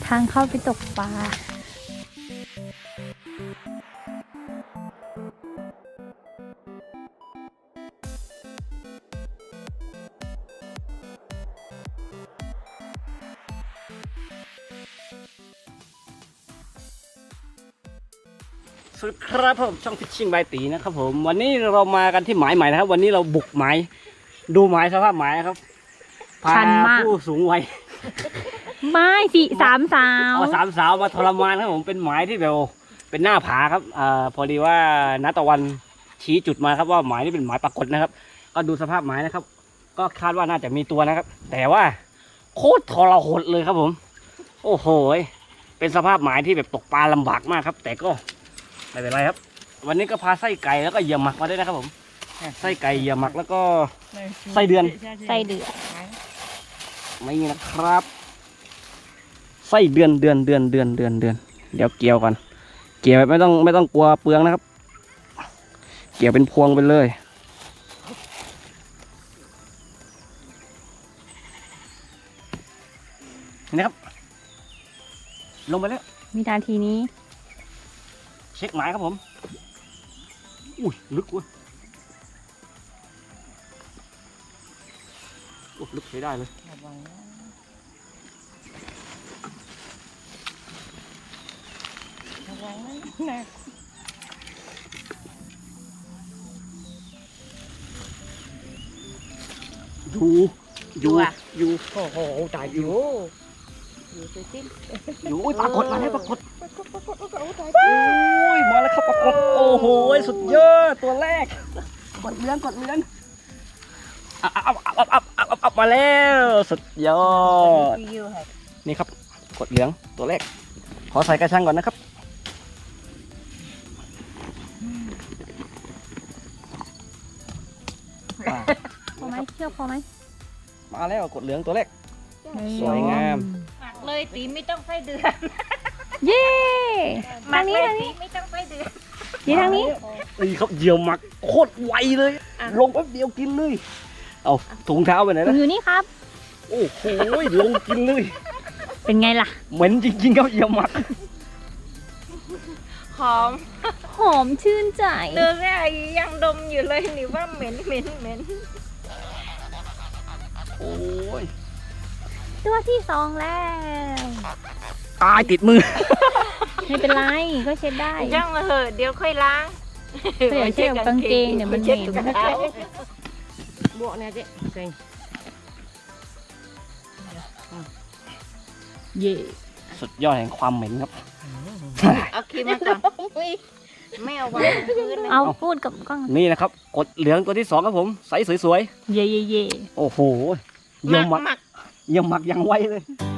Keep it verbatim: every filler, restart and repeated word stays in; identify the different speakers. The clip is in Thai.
Speaker 1: ทางเข้าไปตกปลา
Speaker 2: สวัสดีครับผมช่องฟิชชิ่งบายตีนะครับผมวันนี้เรามากันที่หมายใหม่นะครับวันนี้เราบุกหมายดูหมายสภาพหมายนะครับพาผู้สูงวัย
Speaker 1: ไม่สี่สามสาว
Speaker 2: เอาสามสาวมาทรมานครับผมเป็นหมายที่แบบเป็นหน้าผาครับอ่าพอดีว่าณตะวันชี้จุดมาครับว่าหมายนี้เป็นหมายปรากฏนะครับก็ดูสภาพหมายนะครับก็คาดว่าน่าจะมีตัวนะครับแต่ว่าโคตรทรหดเลยครับผมโอ้โหเป็นสภาพหมายที่แบบตกปลาลำบากมากครับแต่ก็ไม่เป็นไรครับวันนี้ก็พาไส้ไก่แล้วก็เหยื่อหมักมาด้วยนะครับผมไส้ไก่เหยื่อหมักแล้วก็ไส้เดือน
Speaker 1: ไส้เดือน
Speaker 2: ไม่มีนะครับไส้เดือนเดือนเดือนเดือนเดือนเดือนเดี๋ยวเกี่ยวก่อนเกี่ยวไม่ต้องไม่ต้องกลัวเปลืองนะครับเกี่ยวเป็นพวงไปเลยนี่นะครับลงไปแล้ว
Speaker 1: วินาทีนี้
Speaker 2: เช็คหมายครับผมอุ้ยลึกเว้ยโอ้ลึกใช้ได้เลยอยู่อยู่อยู่โอ้โหตายอยู่อยู่ไปสิ้นอยู่ปรากฏมาแล้วปรากฏโอ้ยมาแล้วครับปรากฏโอ้โหสุดยอดตัวแรกกดเลี้ยงกดเลี้ยงอับอับอับอับอับอับมาแล้วสุดยอดนี่ครับกดเหลืองตัวแรกขอใส่กระชังก่อนนะครับ
Speaker 1: พอไหมเชือกพอไหม
Speaker 2: มาแล้วกดเหลืองตัวแรกสวยงาม
Speaker 3: หมักเลยตีไม่ต้องไส้เดือน
Speaker 1: เย้
Speaker 3: หมักเลยตีไม่ต้องไส้เดือน
Speaker 1: นี่ทางนี้
Speaker 2: นี่ครับเหยี่ยวหมักโคตรไวเลยลงแป๊บเดียวกินเลยเอาถุงเท้าไปไหนนะ
Speaker 1: อยู่นี่ครับ
Speaker 2: โอ้โหลงกินเลย
Speaker 1: เป็นไงล่ะ
Speaker 2: เหม็นจริงๆครับเหยี่ยวหมัก
Speaker 3: หอม
Speaker 1: หอมชื่นใจ
Speaker 3: เดินแรกยังดมอยู่เลยนี่ว่าเหม็นเหม็นเหม็น
Speaker 2: โอ้ย
Speaker 1: ตัวที่สองแล้ว
Speaker 2: ตายติดมือ
Speaker 1: ไม่เป็นไรก็เช็ดได้
Speaker 3: ย่างมาเหอะเดี๋ยวค่อยล้าง
Speaker 1: เดี๋ยวเช็ดกางเกงเดี๋ยวมันเหม็น
Speaker 3: บวกเนี่ยเจ๊เก่ง
Speaker 1: เย่
Speaker 2: สุดยอดแห่งความเหม็นครับ
Speaker 3: เอาครีมมาก่อนไม่เอาวางพื้น
Speaker 1: เอาพูดกับกล้อง
Speaker 2: นี่นะครับกดเหลืองตัวที่สองครับผมใสสวย
Speaker 1: ๆเย่เย่เย่
Speaker 2: โอ้โหเยี่ยมหมักเยี่ยมหมักยังไวเลย